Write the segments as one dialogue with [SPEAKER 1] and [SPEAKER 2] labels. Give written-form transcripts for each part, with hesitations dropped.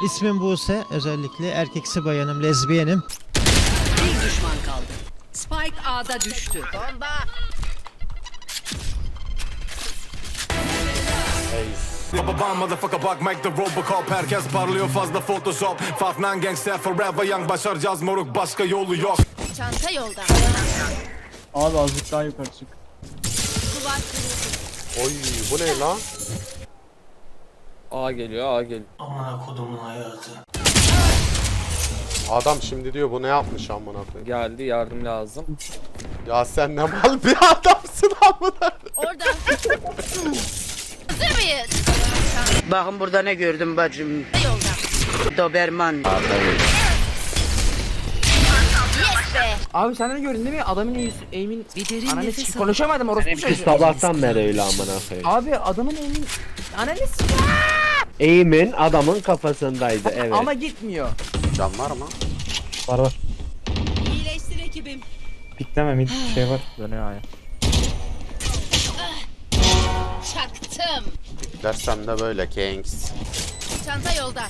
[SPEAKER 1] İsmim Buse. Özellikle erkeksi bayanım, lezbiyenim.
[SPEAKER 2] Bir düşman kaldı. Spike A'da düştü. Bomba.
[SPEAKER 3] Babam motherfucker bak make the Robocop. Herkes parlıyor fazla Photoshop. 5-9 gangster forever young. Başaracağız moruk, başka yolu yok.
[SPEAKER 2] Çanta yolda.
[SPEAKER 4] Abi azıcık daha yukarı çık.
[SPEAKER 2] Duvar kırıldı.
[SPEAKER 5] Oy bu ne lan?
[SPEAKER 6] A geliyor, A geliyor.
[SPEAKER 5] Adam şimdi diyor bu ne yapmış amına koyayım.
[SPEAKER 6] Geldi, yardım lazım.
[SPEAKER 5] Ya sen ne mal bir adamsın amına.
[SPEAKER 2] Orada. Hazır mıyız?
[SPEAKER 7] Bakın burada ne gördüm bacım.
[SPEAKER 2] Yolda.
[SPEAKER 7] Doberman.
[SPEAKER 2] Yes be.
[SPEAKER 8] Abi sen de gördün değil mi? Adamın aim'in
[SPEAKER 2] Bir derin
[SPEAKER 8] ananı
[SPEAKER 2] nefes
[SPEAKER 8] s***
[SPEAKER 2] al.
[SPEAKER 8] konuşamadım orospu
[SPEAKER 9] Biz
[SPEAKER 8] çocuğu.
[SPEAKER 9] sabahtan beri öyle amına koyayım.
[SPEAKER 8] Abi adamın aim'in ananı s***
[SPEAKER 9] Eğimin adamın kafasındaydı evet.
[SPEAKER 8] ama gitmiyor.
[SPEAKER 5] Can var mı?
[SPEAKER 4] Var var.
[SPEAKER 2] İyileştir ekibim.
[SPEAKER 4] Pikleme mid şey var.
[SPEAKER 8] Dönüyor aya.
[SPEAKER 2] Çaktım.
[SPEAKER 5] Dersem de böyle Kings.
[SPEAKER 2] Çanta yolda.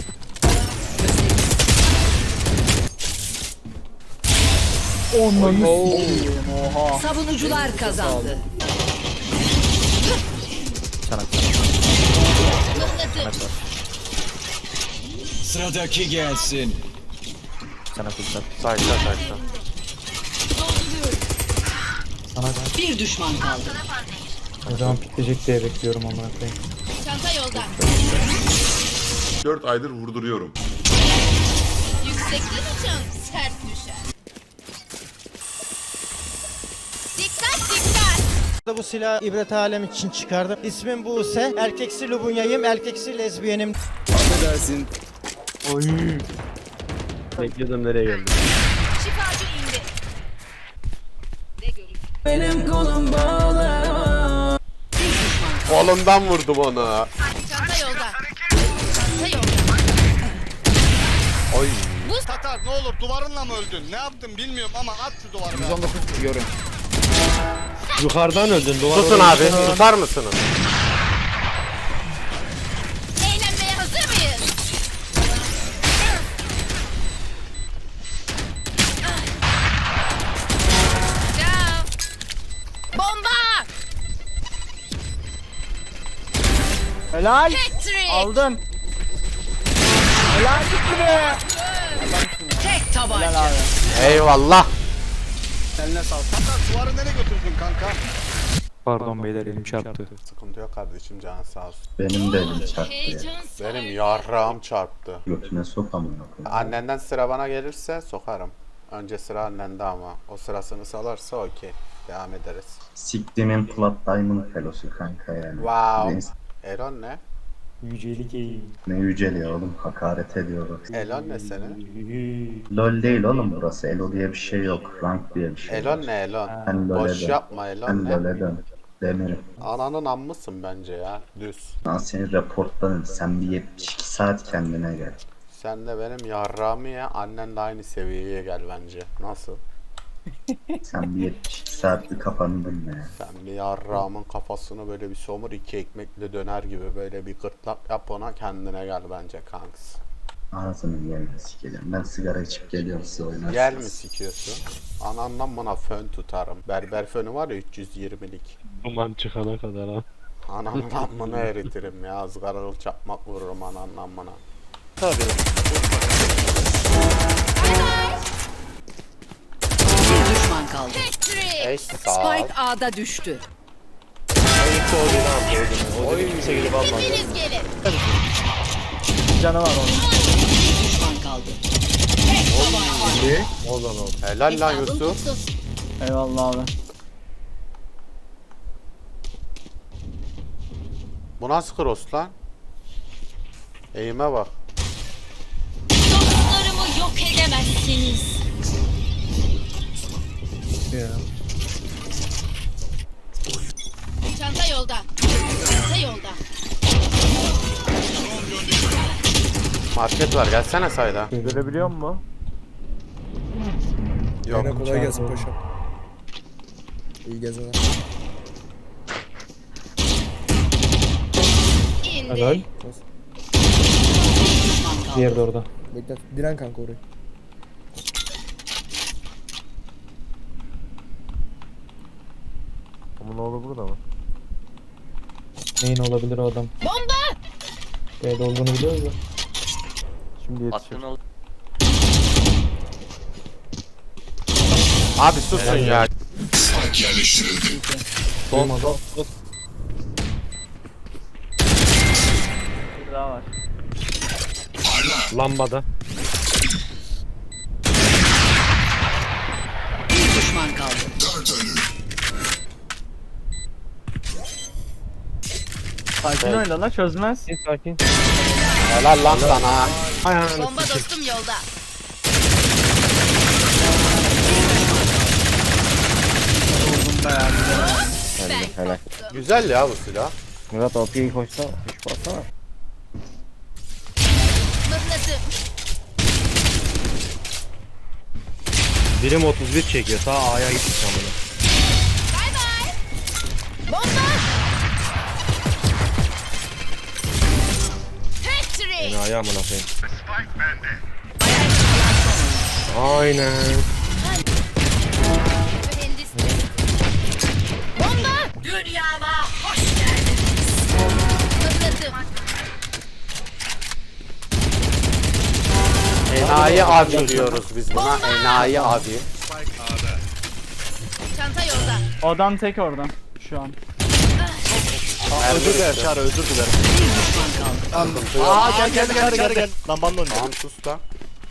[SPEAKER 8] Oha.
[SPEAKER 2] Savunucular kazandı. Mıhlatıp.
[SPEAKER 10] Sıradaki gelsin.
[SPEAKER 8] Sana kurtar.
[SPEAKER 5] Sayta sayta.
[SPEAKER 2] Dolduruyorum.
[SPEAKER 4] Sana ben.
[SPEAKER 2] Bir düşman kaldı.
[SPEAKER 4] O zaman pikleyecek diye bekliyorum amına koyayım.
[SPEAKER 2] Çanta yolda.
[SPEAKER 11] 4 aydır vurduruyorum.
[SPEAKER 2] Yüksekten uçan sert düşer. Dikkat dikkat.
[SPEAKER 1] Bu silahı ibret alem için çıkardım. İsmim Buse. Erkeksi lubunyayım, erkeksi lezbiyenim.
[SPEAKER 10] Affedersin.
[SPEAKER 9] Bekliyordum nereye geldi.
[SPEAKER 2] Şifacı indi. Ne görür?
[SPEAKER 5] Kolundan vurdum onu.
[SPEAKER 2] Çanta yolda. Çanta yolda.
[SPEAKER 5] Oy.
[SPEAKER 10] Tatar ne olur duvarınla mı öldün? Ne yaptın bilmiyorum ama at şu duvarına.
[SPEAKER 8] 119 vuruyorum.
[SPEAKER 9] Yukarıdan öldün duvar.
[SPEAKER 5] Susun abi, tutar mısınız?
[SPEAKER 2] Eğlenmeye hazır mıyız? Ciao. Bomba!
[SPEAKER 8] Helal.
[SPEAKER 2] Patrick!
[SPEAKER 8] Aldın. Helal gitti be.
[SPEAKER 2] Tek tabanca.
[SPEAKER 8] Helal abi.
[SPEAKER 5] Eyvallah.
[SPEAKER 10] Eline sağlık. Tatar duvarı nereye götürdün kanka?
[SPEAKER 4] Pardon beyler elim çarptı.
[SPEAKER 5] Sıkıntı yok kardeşim, canın sağ olsun.
[SPEAKER 12] Benim de elim çarptı ya.
[SPEAKER 2] Heyecan
[SPEAKER 5] Benim yarrağım çarptı.
[SPEAKER 12] Götüne sok amına koyayım.
[SPEAKER 5] Annenden sıra bana gelirse sokarım. Önce sıra annende ama. O sırasını salarsa okey. Devam ederiz.
[SPEAKER 12] Siktimin Plat Diamond Fellow'su kanka yani.
[SPEAKER 5] Wow. Elon ne?
[SPEAKER 4] Yücelik iyi.
[SPEAKER 12] Ne yüceliyor oğlum, hakaret ediyor bak.
[SPEAKER 5] Elon ne senin?
[SPEAKER 12] LOL değil oğlum burası, Elo diye bir şey yok, rank diye bir şey
[SPEAKER 5] Elon
[SPEAKER 12] var.
[SPEAKER 5] ne Elon?
[SPEAKER 12] Ben LOL'e
[SPEAKER 5] Boş
[SPEAKER 12] dön.
[SPEAKER 5] yapma Elon
[SPEAKER 12] Ben
[SPEAKER 5] ne?
[SPEAKER 12] LOL'e dön. Demirim.
[SPEAKER 5] Ananın ammısın bence ya. Düz.
[SPEAKER 12] Ben seni reportlarım, sen bir 72 saat kendine gel.
[SPEAKER 5] Sen de benim yarrağımı ye. Annen de aynı seviyeye gel bence. Nasıl?
[SPEAKER 12] Sen bir 72 saatlik kafanı dinle ya.
[SPEAKER 5] Sen bir yarrağımın kafasını böyle bir somur, iki ekmekle döner gibi böyle bir gırtlak yap, ona kendine gel bence kanks.
[SPEAKER 12] Ağzını yerine sikeceğim. Ben sigara içip geliyorum, size oynarsınız.
[SPEAKER 5] Gel mi sikiyorsun? Anandan bana fön tutarım. Berber fönü var ya 320'lik.
[SPEAKER 9] Duman çıkana kadar ha.
[SPEAKER 5] Anandan bunu eritirim ya. Izgaralı çakmak vururum anandan bana.
[SPEAKER 2] Bir düşman kaldı. Patrick!
[SPEAKER 5] Ey sağ ol.
[SPEAKER 2] Spike A'da düştü.
[SPEAKER 9] Kimse gelip almaz.
[SPEAKER 2] Hepiniz gelin.
[SPEAKER 4] Canı var onun.
[SPEAKER 2] Bir düşman kaldı. Tek tabanca.
[SPEAKER 9] O zaman.
[SPEAKER 5] Helal lan
[SPEAKER 2] Hesabım
[SPEAKER 5] Yusuf.
[SPEAKER 2] tuttu.
[SPEAKER 4] Eyvallah abi.
[SPEAKER 5] Bu nasıl cross lan? Eğime bak.
[SPEAKER 2] Dostlarımı yok edemezsiniz.
[SPEAKER 4] Ya.
[SPEAKER 2] Çanta yolda. Çanta yolda.
[SPEAKER 5] Market var, gelsene sayda.
[SPEAKER 9] Görebiliyor musun?
[SPEAKER 5] Yok.
[SPEAKER 10] Kolay gelsin paşam. İyi gezeler.
[SPEAKER 2] İndi.
[SPEAKER 9] Helal.
[SPEAKER 2] Bir düşman kaldı.
[SPEAKER 4] Diğeri de orada.
[SPEAKER 8] Bekle. Diren kanka orayı.
[SPEAKER 9] Ama ne olur burada mı?
[SPEAKER 4] Neyin olabilir o adam? Bomba! B'de olduğunu biliyoruz da.
[SPEAKER 9] Şimdi yetişir.
[SPEAKER 5] Abi susun ya.
[SPEAKER 4] Olmadı.
[SPEAKER 9] Lambada.
[SPEAKER 2] Bir düşman kaldı.
[SPEAKER 8] Sakin oyna lan çözmez.
[SPEAKER 9] Sakin.
[SPEAKER 5] Helal lan sana.
[SPEAKER 2] Bomba dostum yolda.
[SPEAKER 8] Helal.
[SPEAKER 5] Güzel ya bu silah.
[SPEAKER 8] Murat OP'yi koşsa. Üç bassana.
[SPEAKER 9] Birim 31 çekiyor. Sağ A'ya gitmiş amına. Beni A'ya amına koyayım. Aynen.
[SPEAKER 2] Dünyama hoş geldiniz.
[SPEAKER 5] Enayi abi diyoruz biz buna. Enayi abi.
[SPEAKER 2] Çanta yolda.
[SPEAKER 8] Adam tek oradan. Şu an.
[SPEAKER 5] Özür dilerim Çağrı, özür dilerim.
[SPEAKER 2] Bir düşman kaldı.
[SPEAKER 5] Aa gel.
[SPEAKER 10] Lan bana döndü.
[SPEAKER 5] Tamam sus lan.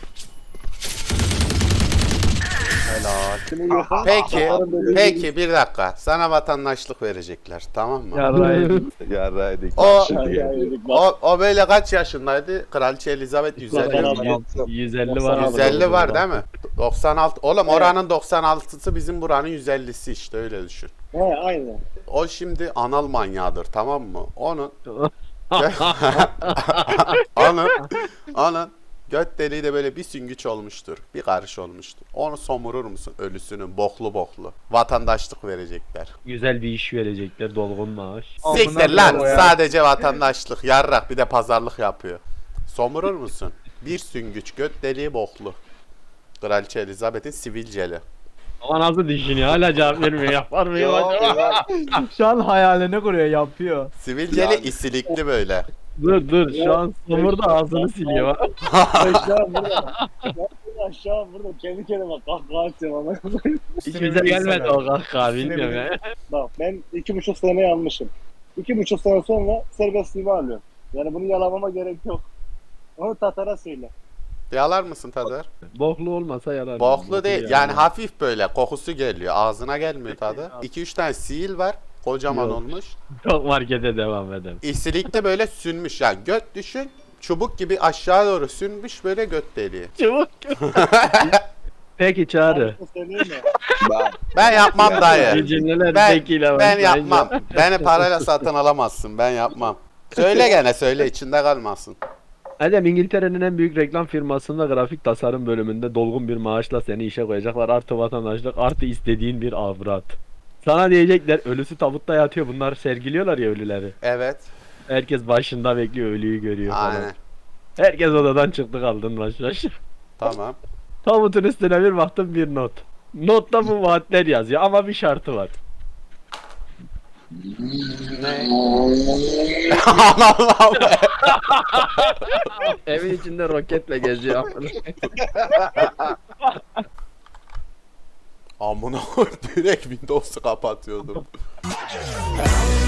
[SPEAKER 5] Helal. Peki bir dakika. Sana vatandaşlık verecekler, tamam mı?
[SPEAKER 9] Yarraydık.
[SPEAKER 5] O böyle kaç yaşındaydı? Kraliçe Elizabeth
[SPEAKER 9] 150 var.
[SPEAKER 5] 150 var değil mi? 96. Oğlum oranın 96'sı bizim buranın 150'si işte, öyle düşün.
[SPEAKER 10] He aynen.
[SPEAKER 5] O şimdi anal manyağıdır, tamam mı? Onun göt deliği de böyle bir süngüç olmuştur. Bir karış olmuştur. Onu somurur musun ölüsünün boklu. Vatandaşlık verecekler.
[SPEAKER 9] Güzel bir iş verecekler. Dolgun maaş.
[SPEAKER 5] Siktir lan, sadece vatandaşlık. Yarrak bir de pazarlık yapıyor. Somurur musun? Bir süngüç göt deliği boklu. Kraliçe Elizabeth'in sivilceli.
[SPEAKER 9] Ama nasıl düşünüyor? Hala cevap vermiyor. Yapar mıyım acaba?
[SPEAKER 8] Şu an hayalini kuruyor yapıyor.
[SPEAKER 5] Sivilceli isilikli böyle.
[SPEAKER 9] Dur. Şu an somurda ağzını siliyor.
[SPEAKER 10] Aşağı burada kendi kendime kahkaha atıyorum ama.
[SPEAKER 9] Hiç bize gelmedi o kahkaha, bilmiyorum ya.
[SPEAKER 10] Bak ben 2,5 sene yanmışım. 2,5 sene sonra serbestliğimi alıyorum. Yani bunu yalamama gerek yok. Onu Tatar'a söyle.
[SPEAKER 5] Yalar mısın Tadır?
[SPEAKER 9] Boklu olmasa yarar.
[SPEAKER 5] Boklu değil. Yani hafif böyle kokusu geliyor. Ağzına gelmiyor tadı. 2-3 tane sihir var. Kocaman
[SPEAKER 9] Yok.
[SPEAKER 5] olmuş.
[SPEAKER 9] Çok markete devam edelim.
[SPEAKER 5] İsilikte böyle sünmüş. Yani göt düşün. Çubuk gibi aşağı doğru sünmüş böyle göt deliği.
[SPEAKER 9] Çabuk. Peki Çağrı.
[SPEAKER 10] Söyleyeyim mi?
[SPEAKER 5] Ben yapmam dayı.
[SPEAKER 9] Cümleler
[SPEAKER 5] Ben,
[SPEAKER 9] zekiyle
[SPEAKER 5] ben yapmam. Beni parayla satın alamazsın. Ben yapmam. Söyle gene söyle, içinde kalmasın.
[SPEAKER 9] Adem, İngiltere'nin en büyük reklam firmasında grafik tasarım bölümünde dolgun bir maaşla seni işe koyacaklar. Artı vatandaşlık, artı istediğin bir avrat. Sana diyecekler ölüsü tabutta yatıyor. Bunlar sergiliyorlar ya ölüleri.
[SPEAKER 5] Evet.
[SPEAKER 9] Herkes başında bekliyor, ölüyü görüyor falan.
[SPEAKER 5] Aynen.
[SPEAKER 9] Herkes odadan çıktı, kaldın baş.
[SPEAKER 5] Tamam.
[SPEAKER 9] Tabutun üstüne bir baktım, bir not. Notta bu vaatler yazıyor ama bir şartı var.
[SPEAKER 5] Allah'ım.
[SPEAKER 9] Evin içinde roketle geziyor.
[SPEAKER 5] Amına koyayım, direkt Windows'u kapatıyordum.